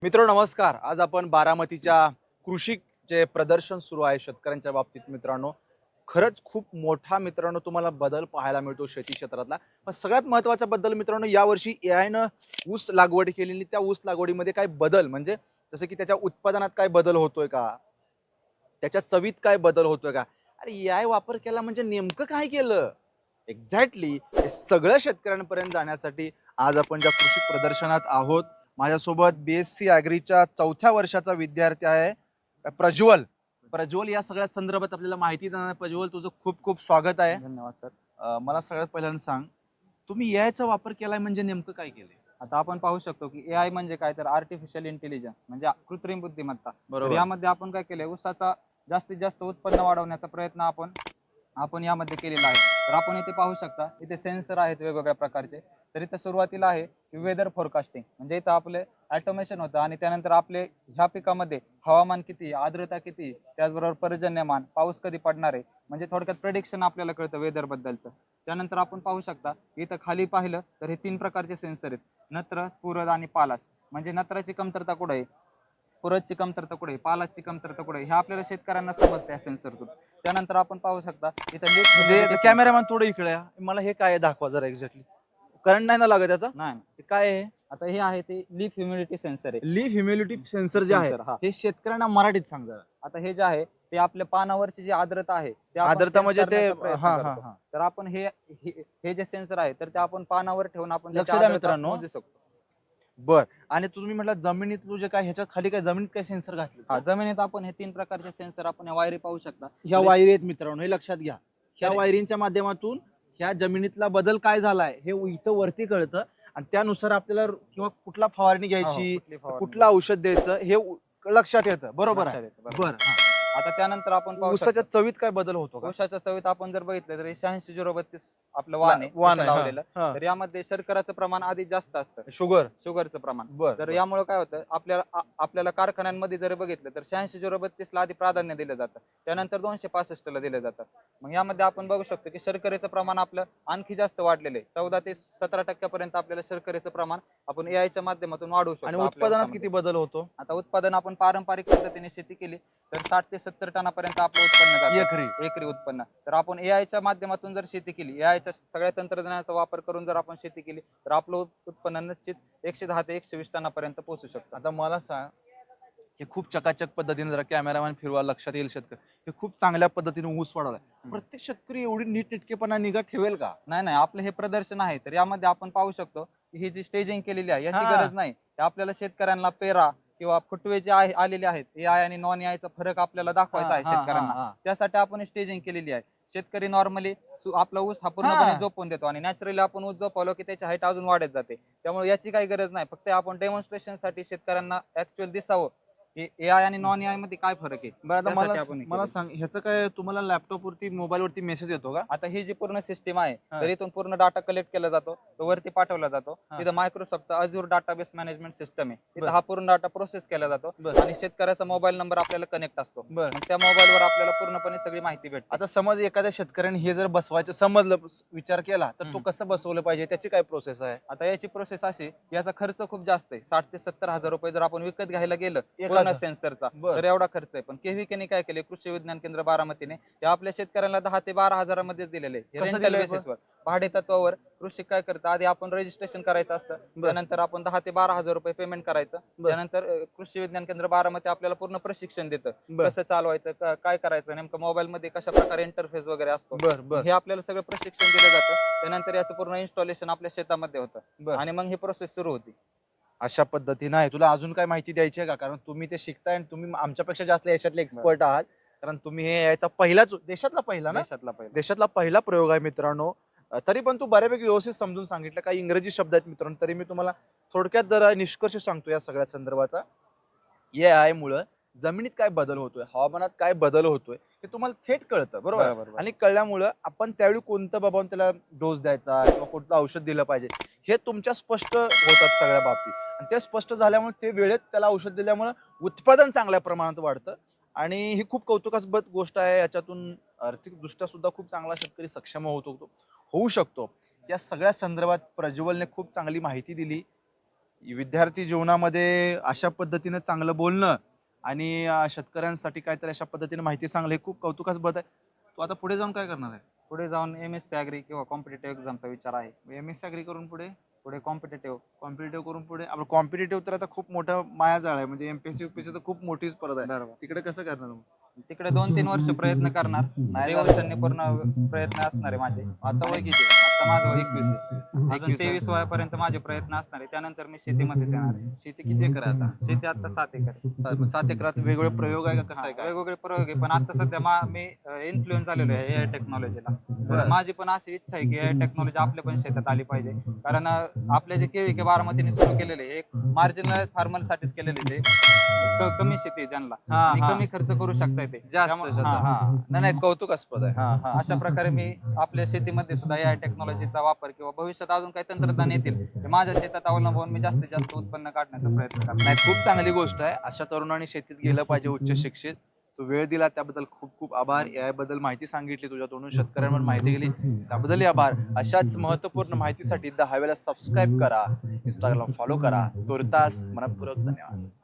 मित्रांनो नमस्कार. आज आपण बारामतीच्या कृषी जे प्रदर्शन सुरू आहे शेतकऱ्यांच्या बाबतीत मित्रांनो, खरंच खूप मोठा मित्रांनो तुम्हाला बदल पाहायला मिळतो शेती क्षेत्रातला. पण सगळ्यात महत्त्वाचा बदल मित्रांनो यावर्षी एआयनं ऊस लागवड केलेली, त्या ऊस लागवडीमध्ये काय बदल म्हणजे जसं की त्याच्या उत्पादनात काय बदल होतोय का? त्याच्या चवीत काय बदल होतोय का? अरे एआय वापर केला म्हणजे नेमकं काय केलं? एक्झॅक्टली हे सगळं शेतकऱ्यांपर्यंत जाण्यासाठी आज आपण ज्या कृषी प्रदर्शनात आहोत. माझ्यासोबत बीएससी ॲग्रीच्या 4थ्या वर्षाचा विद्यार्थी आहे प्रज्वल. प्रज्वल या सगळ्या संदर्भात आपल्याला माहिती देणार. प्रज्वल तुझं खूप खूप स्वागत आहे. धन्यवाद सर. मला सगळ्यात पहिल्यांदा सांग, तुम्ही एआयचा वापर केलाय म्हणजे नेमकं काय केलंय? आता आपण पाहू शकतो की एआय म्हणजे काय तर आर्टिफिशियल इंटेलिजन्स म्हणजे कृत्रिम बुद्धिमत्ता. तर बरोबर. यामध्ये आपण काय केलंय ऊसाचा जास्तीत जास्त उत्पन्न वाढवण्याचा प्रयत्न आपण आपण यामध्ये केलेला आहे. तर आपण इथे पाहू शकता, इथे सेन्सर आहेत वेगवेगळ्या प्रकारचे. तर इथे सुरुवातीला आहे वेदर फोरकास्टिंग म्हणजे इथं आपले ऑटोमेशन होतं आणि त्यानंतर आपले ह्या पिकामध्ये हवामान किती, आर्द्रता किती, त्याचबरोबर पर्जन्यमान, पाऊस कधी पडणार आहे, म्हणजे थोडक्यात प्रेडिक्शन आपल्याला कळतं वेदर बद्दलचं. त्यानंतर आपण पाहू शकता इथं खाली पाहिलं तर हे 3 प्रकारचे सेन्सर आहेत. नत्र, स्फुरद आणि पालाश. म्हणजे नत्राची कमतरता कुठे आहे, स्फुरदची कमतरता कुठे आहे, पालाशची कमतरता कुठे आहे, हे आपल्याला शेतकऱ्यांना समजतं या सेन्सरतून. त्यानंतर आपण पाहू शकता इथं लिफ्ट म्हणजे ह्युमिडिटी सेन्सर. कॅमेरामॅन थोडं इकडे या. मला हे काय आहे दाखवा जरा एक्झॅक्टली. करंट नाही ना लागत त्याचा? नाही, हे काय आहे? आता हे आहे ते लीफ ह्युमिडिटी सेन्सर आहे. लीफ ह्युमिडिटी सेन्सर जे आहे सेन्सर हा. हे शेतकऱ्यांना मराठीत सांग जरा. आता हे जे आहे ते आपल्या पानावरची जी आर्द्रता आहे ते आपण आर्द्रता सेन्स म्हणजे ते करण्याचा प्रयत्न हा हा करतो. हा तर आपण हे जे सेन्सर आहे तर ते आपण पानावर ठेवून आपण लक्ष त्याची द्या आर्द्रता मित्रांनो. मोजू शकतो. बर. आणि तुम्ही म्हटलं जमिनीत तुझे काय ह्याच्या खाली काय जमिनीत काय सेन्सर घातले हा, जमिनीत आपण हे 3 प्रकारचे सेन्सर आपण या वायरी पाहू शकता. ह्या तर वायरी आहेत मित्रांनो, हे लक्षात घ्या. ह्या तर वायरींच्या माध्यमातून ह्या जमिनीतला बदल काय झालाय हे इथं वरती कळतं आणि त्यानुसार आपल्याला किंवा कुठला फवारणी हो, हो, घ्यायची, कुठली फवारणी कुठलं औषध द्यायचं हे लक्षात येतं. बरोबर लक्षात आहे. येतं. बरोबर. बर. आता त्यानंतर आपण पाहू ऊसाच्या शकतो चवीत काय बदल होतो का? ऊसाच्या चवीत आपण जर बघितलं तर 86-032 आपलं वाण आहे वाण इथं आहे हा. लावलेलं. हा. तर यामध्ये शर्कराचं प्रमाण आधी जास्त असतं, शुगर. शुगरचं प्रमाण. बर तर बर. यामुळे काय होतं आपल्याला कारखान्यांमध्ये जर बघितलं तर 86-032 ला आधी प्राधान्य दिलं जातं, त्यानंतर 265 ला दिलं जातं. मग यामध्ये आपण बघू शकतो की शर्करेचं प्रमाण आपलं आणखी जास्त वाढलेलं आहे. 14 ते 17% पर्यंत आपल्याला शर्करेचं प्रमाण आपण एआयच्या माध्यमातून वाढवू आणि शकतो आपल्या उत्पादनात ऊसामध्ये. किती बदल होतो? आता उत्पादन आपण पारंपरिक पद्धतीने शेती केली तर 60 ते 70 टनापर्यंत आपलं उत्पन्न जातं एकरी. एकरी उत्पन्न. तर आपण एआयच्या माध्यमातून जर शेती केली, एआयच्या सगळ्या तंत्रज्ञानाचा वापर करून जर आपण शेती केली तर आपलं उत्पन्न निश्चित 110 ते 120 टनापर्यंत पोहोचू शकतं. आता मला सांग, हे खूप चकाचक पद्धतीने जरा कॅमेरामॅन फिरवा लक्षात येईल शेतकरी. हे खूप चांगल्या पद्धतीने ऊस वाढवलाय. प्रत्येक शेतकरी एवढी नीटनेटकेपणा निगा ठेवेल का? नाही, नाही, आपलं हे प्रदर्शन आहे तर यामध्ये आपण पाहू शकतो की ही जी स्टेजिंग केलेली आहे याची हा. गरज नाही. हे आपल्याला शेतकऱ्यांना पेरा किंवा फुटवे जे आलेले आहेत एआय आणि नॉन एआयचा फरक आपल्याला दाखवायचा आहे हा हा शेतकऱ्यांना. हा. त्यासाठी आपण स्टेजिंग केलेली आहे. शेतकरी नॉर्मली आपला ऊस हा पूर्णपणे हा. झोपून देतो आणि नॅचरली आपण ऊस झोपवलो की त्याची हाईट अजून वाढत जाते. त्यामुळे याची काही गरज नाही. फक्त आपण डेमॉन्स्ट्रेशनसाठी शेतकऱ्यांना ऍक्च्युअल दिसावं की एआय आणि नॉन एआय मध्ये काय फरक आहे बरं आता त्यासाठी आपण हे मला केलेलं. सांग, ह्याचं काय तुम्हाला लॅपटॉप वरती मोबाईल वरती मेसेज येतो का? आता ही जी पूर्ण सिस्टीम आहे हा. तर इथून पूर्ण डाटा कलेक्ट केला जातो, तो वरती पाठवला जातो. हा. तिथं मायक्रोसॉफ्टचा अझूर डाटाबेस मॅनेजमेंट सिस्टम आहे, बर. तिथं हा पूर्ण डाटा प्रोसेस केला जातो बर. आणि शेतकऱ्याचा मोबाईल नंबर आपल्याला कनेक्ट असतो. बर. मग त्या मोबाईलवर आपल्याला पूर्णपणे सगळी माहिती भेटते. आता समज एखाद्या शेतकऱ्याने हे जर बसवायचं समजलं, विचार केला तर तो कसं बसवलं पाहिजे, त्याची काय प्रोसेस आहे? आता याची प्रोसेस अशी, याचा खर्च खूप जास्त आहे. 60 ते 70 हजार रुपये जर आपण विकत घ्यायला गेलं पूर्ण एकाचा? सेन्सरचा बर. तर एवढा खर्च आहे. पण केव्हीकेने काय केले, कृषी विज्ञान केंद्र बारामतीने हे आपल्या शेतकऱ्यांना 10 ते 12 हजारामध्येच दिलेले आहे. कसं रेंटल दिलंय पण? बेसिसवर, भाडे तत्वावर. कृषी काय करतं, आधी आपण रजिस्ट्रेशन करायचं असतं, बर. त्यानंतर आपण 10 ते 12 हजार रुपये पेमेंट करायचं. बर. त्यानंतर कृषी विज्ञान केंद्र बारामती आपल्याला पूर्ण प्रशिक्षण देतं, बर. कसं चालवायचं, काय करायचं, नेमकं मोबाईल मध्ये कशा प्रकारे इंटरफेस वगैरे असतो, बर बर हे आपल्याला सगळं प्रशिक्षण दिलं जातं. त्यानंतर याचं पूर्ण इन्स्टॉलेशन आपल्या शेतामध्ये होतं बर. आणि मग ही प्रोसेस सुरू होती. अशा पद्धतीनं आहे. तुला अजून काय माहिती द्यायची आहे का? कारण तुम्ही ते शिकताय आणि तुम्ही आमच्यापेक्षा जास्त याच्यातले एक्सपर्ट आहात. कारण तुम्ही हे याचा पहिलाच देशातला पहिला ना? देशातला पहिला. देशातला पहिला प्रयोग आहे मित्रांनो. तरी पण तू बऱ्यापैकी व्यवस्थित समजून सांगितलं. काही इंग्रजी शब्द आहेत मित्रांनो, तरी मी तुम्हाला थोडक्यात जरा निष्कर्ष सांगतो या सगळ्या संदर्भाचा. एआय मुळे जमिनीत काय बदल होतोय, हवामानात काय बदल होतोय हे तुम्हाला थेट कळतं. बरोबर आहे? बरोबर. आणि कळल्यामुळं आपण त्यावेळी कोणतं बाबा त्याला डोस द्यायचा किंवा कोणतं औषध दिलं पाहिजे हे तुमच्या स्पष्ट होतात सगळ्या बाबतीत. आणि ते स्पष्ट झाल्यामुळे ते वेळेत त्याला औषध दिल्यामुळे उत्पादन चांगल्या प्रमाणात वाढतं. आणि ही खूप कौतुकास्पद गोष्ट आहे. याच्यातून आर्थिकदृष्ट्या सुद्धा खूप चांगला शेतकरी सक्षम होऊ शकतो. या सगळ्या संदर्भात प्रज्वलने खूप चांगली माहिती दिली. विद्यार्थी जीवनामध्ये अशा पद्धतीने चांगलं बोलणं आणि शेतकऱ्यांसाठी काहीतरी अशा पद्धतीने माहिती सांगणं हे खूप कौतुकास्पद आहे. तू आता पुढे जाऊन काय करणार आहे? पुढे जाऊन MSc ॲग्री किंवा कॉम्पिटेटिव्ह एक्झामचा विचार आहे. MSc ॲग्री करून पुढे पुढे कॉम्पिटेटिव्ह कॉम्पिटेटिव्ह करून पुढे आपलं कॉम्पिटेटिव्ह तर आता खूप मोठं मायाजाळ आहे, म्हणजे MPSC UPSC तर खूप मोठी स्पर्धा आहे. बरोबर. तिकडे कसं करणार मग? तिकडे 2-3 वर्ष प्रयत्न करणार. नाही वर्षांनी पूर्ण प्रयत्न असणार आहे माझे. आता वय किती आहे? आता माझं वय 21 आहे. अजून 21 आहे. 23 वयापर्यंत माझे प्रयत्न असणार आहे. त्यानंतर मी शेतीमध्येच येणार आहे. शेती किती एकर आहे आता? शेती आता 7 एकर आहे. 7 एकरात वेगवेगळे प्रयोग आहे का, कसं आहे हा, काय? वेगवेगळे प्रयोग आहे, पण आता सध्या मी इन्फ्लुएन्स झालेलो आहे AI टेक्नॉलॉजीला. बरं. माझी पण अशी इच्छा आहे की AI टेक्नॉलॉजी आपल्या पण शेतात आली पाहिजे. कारण आपले जे KVK बारामतीने सुरू केलेले आहे, एक मार्जिनल फार्मरसाठीच केलेले ते कमी शेती आहे ज्यांना हा, आणि हा. कमी खर्च करू शकता येते जास्त त्यामुळे- हा, हा. नाही नाही, कौतुकास्पद आहे. हा हा अशा प्रकारे मी आपल्या शेतीमध्ये सुद्धा AI टेक्नॉलॉजीचा वापर किंवा भविष्यात अजून काही तंत्रज्ञान येतील ते माझ्या शेतात अवलंबून मी जास्तीत जास्त उत्पन्न काढण्याचा प्रयत्न करणार. नाही, खूप चांगली गोष्ट आहे. अशा तरुणांनी शेतीत गेलं पाहिजे, उच्च शिक्षित. तू वेळ दिला त्याबद्दल खूप खूप आभार. AI बद्दल माहिती सांगितली तुझ्या तोंडून, शेतकऱ्यांवर माहिती गेली त्याबद्दलही आभार. अशाच महत्त्वपूर्ण माहितीसाठी द हायवेला सबस्क्राईब करा, इंस्टाग्रामला फॉलो करा. तुर्तास मनपूर्वक धन्यवाद.